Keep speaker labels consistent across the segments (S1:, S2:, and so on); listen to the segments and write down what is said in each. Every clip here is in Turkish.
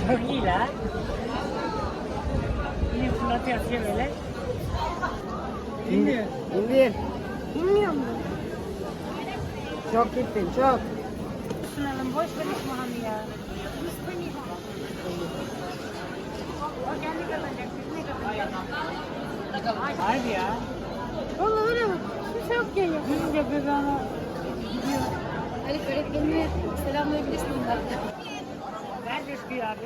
S1: Çok iyi la. Yine fırlatıyor atıyor böyle.
S2: İndir. İndir.
S3: Bilmiyorum
S2: Çok gittin çok.
S1: Sunalım boş ver İsmail'i ya. O kendi kazanacak, biz ne kazanacağız? Harbi ya.
S3: Vallahi öyle bak. Kimse yok ya.
S1: Duyunca böyle ama gidiyor.
S3: Elif öğretmenine selamlayabilirsin bunlar.
S1: Ver coşkuyu abi.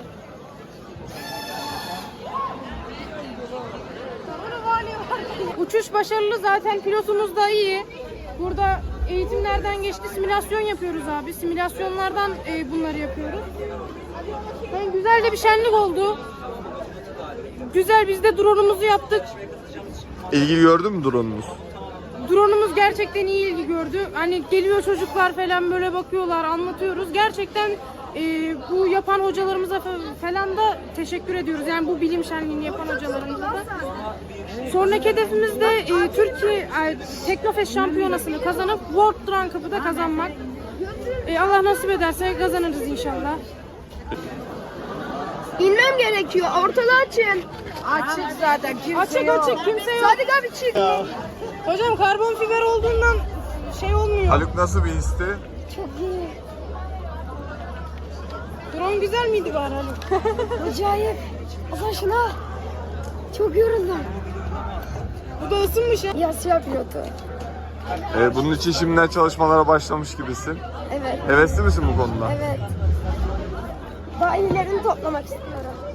S3: Uçuş başarılı, zaten pilotumuz da iyi. Burada eğitimlerden geçti, simülasyon yapıyoruz abi. Simülasyonlardan bunları yapıyoruz. Yani güzel de bir şenlik oldu. Güzel, biz de drone'umuzu yaptık.
S4: İlgi gördün mü drone'unuz?
S3: Drone'umuz gerçekten iyi ilgi gördü. Hani geliyor çocuklar falan böyle bakıyorlar, anlatıyoruz. Gerçekten bu yapan hocalarımıza falan da teşekkür ediyoruz. Yani bu bilim şenliğini yapan hocalarımıza da. Sonraki hedefimiz de Türkiye Teknofest şampiyonasını kazanıp World Drone Cup'ı da kazanmak. Allah nasip ederse kazanırız inşallah.
S5: İnmem gerekiyor. Ortalığı açın.
S2: Açık zaten kimse
S3: Açık
S2: yok.
S3: açık, kimse yok.
S5: Sadık abi çık.
S3: Hocam karbon fiber olduğundan şey olmuyor.
S4: Haluk nasıl bir histi?
S5: Çok iyi.
S3: Drone güzel miydi bari Haluk?
S5: Acayip. Hasan şuna. Çok yoruldum.
S3: Bu da ısınmış ya.
S5: Yas yapıyordu.
S4: Bunun için şimdiden çalışmalara başlamış gibisin.
S5: Evet.
S4: Hevesli misin bu konuda?
S5: Evet. Daha iyilerini toplamak istiyorum.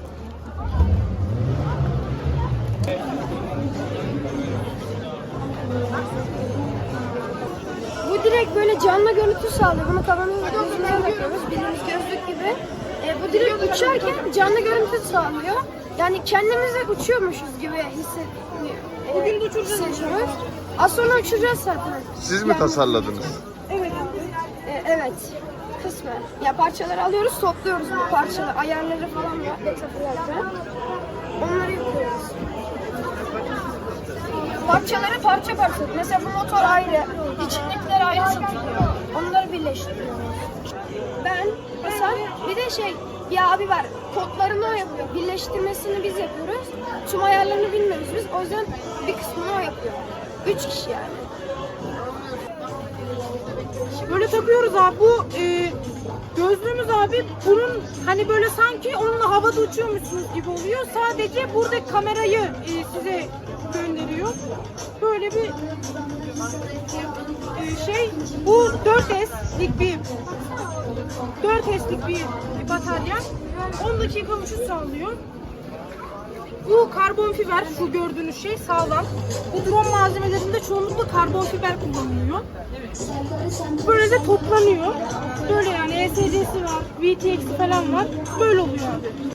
S5: Bu direkt böyle canlı görüntü sağlıyor. Bunu kafanın gözüne takıyoruz. Bildiğimiz gözlük gibi. Bu direkt uçarken canlı görüntü sağlıyor. Yani kendimize uçuyormuşuz gibi hissediyor.
S3: Bugün de uçuracağız inşallah.
S5: Az sonra uçacağız zaten.
S4: Siz mi tasarladınız?
S3: Evet.
S5: Evet. Kısmen. Ya parçaları alıyoruz, topluyoruz bu parçaları. Ayarları falan var. Detaylarca. Onları yapıyoruz. Parçaları parça parça. Mesela bu motor ayrı, içindekiler ayrı satılıyor. Onları birleştiriyoruz. Ben mesela bir de bir abi var. Kodlarını o yapıyor. Birleştirmesini biz yapıyoruz. Tüm ayarlarını bilmiyoruz biz. O yüzden bir kısmını o yapıyor. 3 kişi yani.
S3: Böyle takıyoruz abi. Bu gözlüğümüz abi, bunun hani böyle sanki onunla havada uçuyormuşsunuz gibi oluyor. Sadece buradaki kamerayı size gönderiyor. Böyle bir bu 4S'lik bir 4S'lik bir batarya. 10 dakika uçuş sağlıyor. Bu karbon fiber, şu gördüğünüz şey sağlam. Bu drone malzemelerinde çoğunlukla karbon fiber kullanılıyor. Böyle de toplanıyor. Böyle yani ESC'si var, VTX'i falan var. Böyle oluyor abi.